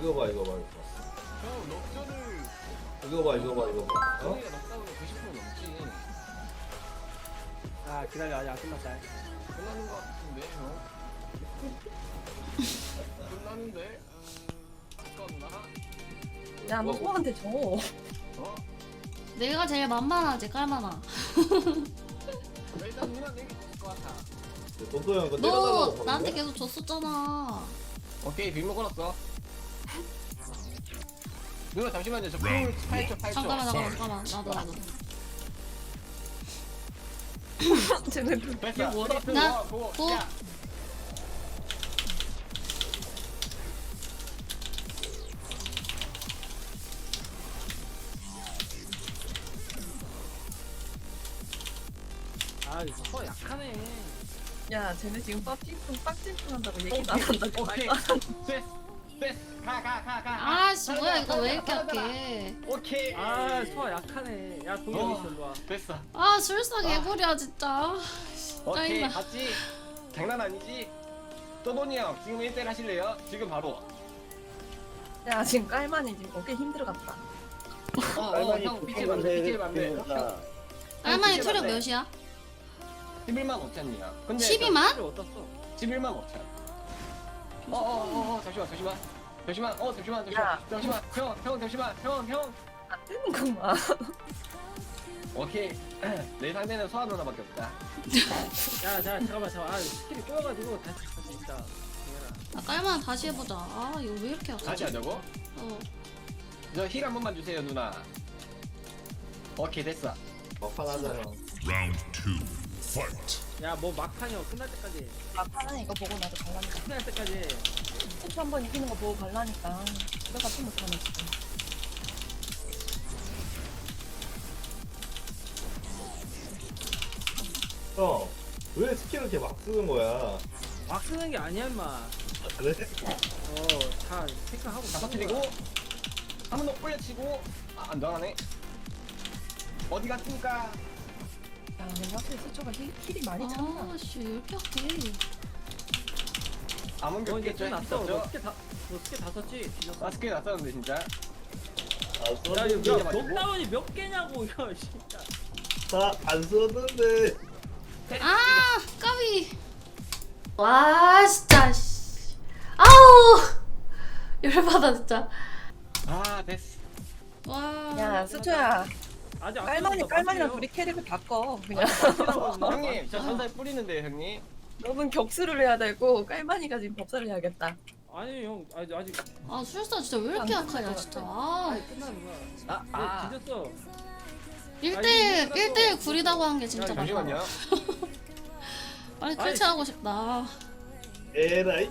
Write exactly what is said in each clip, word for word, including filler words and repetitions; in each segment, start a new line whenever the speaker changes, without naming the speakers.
이거 봐 이거 봐 이거
형 럭저를
이거 봐 이거 봐 이거 봐 어?
저희가 럭다운이 구십 퍼센트 넘지.
아 기다려 아직 안 끝났다.
끝나는 거 같은데 형. 끝나는데? 아깝나?
야, 너 소한테 줘.
어?
내가 제일 만만하지 깔만아.
일단 누나 내게 줬을 것 같아.
돈도 형 이거
너
때려달라고
나한테
그러는데?
계속 줬었잖아.
오케이 빗 먹어놨어. 누나 잠시만요. 저
Round
풀 팔 초 팔 초.
잠깐만 잠깐만 잠깐만 나도 나도.
쟤네
됐어. 스타트.
나,
고, 고.
고.
야.
아 이거 약하네.
야, 쟤네 지금 빡찡뚱 빡찡뚱 한다고 얘기도 안 한다고.
오케이.
말도 안
됐어. 됐어. 가, 가, 가, 가.
아씨 뭐야 이거 왜 이렇게 약해?
오케이.
아 소아 약하네. 야 동영이
어.
일로 와.
됐어.
아 술사 개구리야 진짜.
오케이.
짜증나.
봤지? 장난 아니지? 또돈이 형 지금 일 대 일 하실래요? 지금 바로.
야, 지금 깔만이 지금 어깨 힘들어갔다.
어, 어, 형 삐질 만돼. 삐질 만돼.
알마니
삐질
투력
만돼.
몇이야?
십일만 오천이야. 근데
십이만?
를 어떻어?
십일만 오천. 어, 어, 어, 어, 잠시만, 잠시만. 잠시만, 어, 잠시만, 잠시만.
야.
잠시만. 형, 형, 잠시만. 형, 형.
안 되는구만.
오케이. 내 상대는 소아 누나밖에 없다.
야, 자 잠깐만 잠깐. 아 스킬이 꼬여가지고 다시 다시 있다.
아 깔만 다시 해보자. 아 이거 왜 이렇게 약하지?
같이 하자고?
어.
저 힐 한 번만 주세요, 누나. 오케이, 됐어.
막판 하자 형
Round two. Fight.
야 뭐 막판이요 끝날 때까지.
막판은 이거 보고 나도 갈라니까.
끝날 때까지.
스포츠 한번 이기는 거 보고 갈라니까. 집에 같이 못하네, 지금.
형왜 스킬을 이렇게 막 쓰는 거야
막 쓰는 게 아니야 임마.
아, 그래?
어다 체크하고
잡아뜨리고, 한 번 더 올려치고, 아, 안 나가네. 어디 갔습니까?
야, 근데 확실히 스초가 힐, 힐이 많이 찬다.
아씨 왜 이렇게 약해?
아무
너 이제
게
좀
없겠죠?
났어. 너
있었죠?
스킬 다, 너 스킬 다 썼지? 뒤졌어.
마스크에 났었는데, 진짜.
아
야, 이거
썼는데
야, 록다운이 몇 개냐고 이거 진짜.
다안 썼는데
아 까비. 와 진짜. 씨. 아우 열받아 진짜.
아, 됐어.
와.
야, 스초야.
아직 안
깔만이,
끝났어,
깔만이랑
맞아요.
둘이 캐릭을 바꿔. 그냥.
형님, 저 전달 뿌리는데요, 형님.
너는 격수를 해야 되고, 깔만이가 지금 법사를 해야겠다.
아니 형 아직 아직
아 술사 진짜 왜 이렇게 약하냐 진짜. 아.
아니 끝나는 거야.
아,
아.
아.
뒤졌어.
일 대 일 일 대 일 구리다고 한 게 진짜
야,
맞다.
잠시만요.
빨리
아이,
클치하고 싶다.
에라이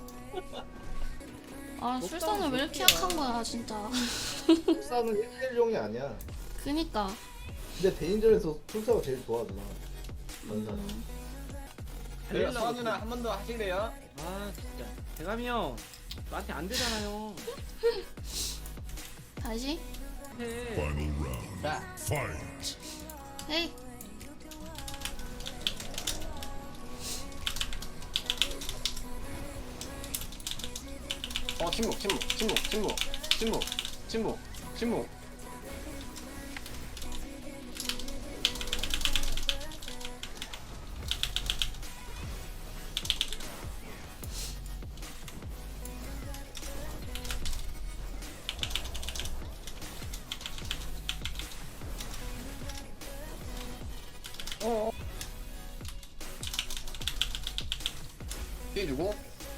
아 술사는 왜 이렇게 약한 거야 진짜.
술사는 일 대 일용이 아니야
그니까.
근데 대인전에서 술사가 제일 좋아 누나 원산
음.
네, 소아 누나 한 번 더 하실래요?
아 진짜. 대감이 형 나한테 안 되잖아요.
다시.
해.
Final round.
자,
Fight.
헤이.
어, 침묵, 침묵, 침묵, 침묵, 침묵, 침묵, 침묵. 어. 피해주고.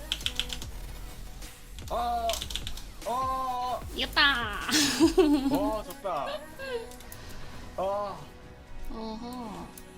어, 어,
이겼다.
어, 좋다. 어,
어허.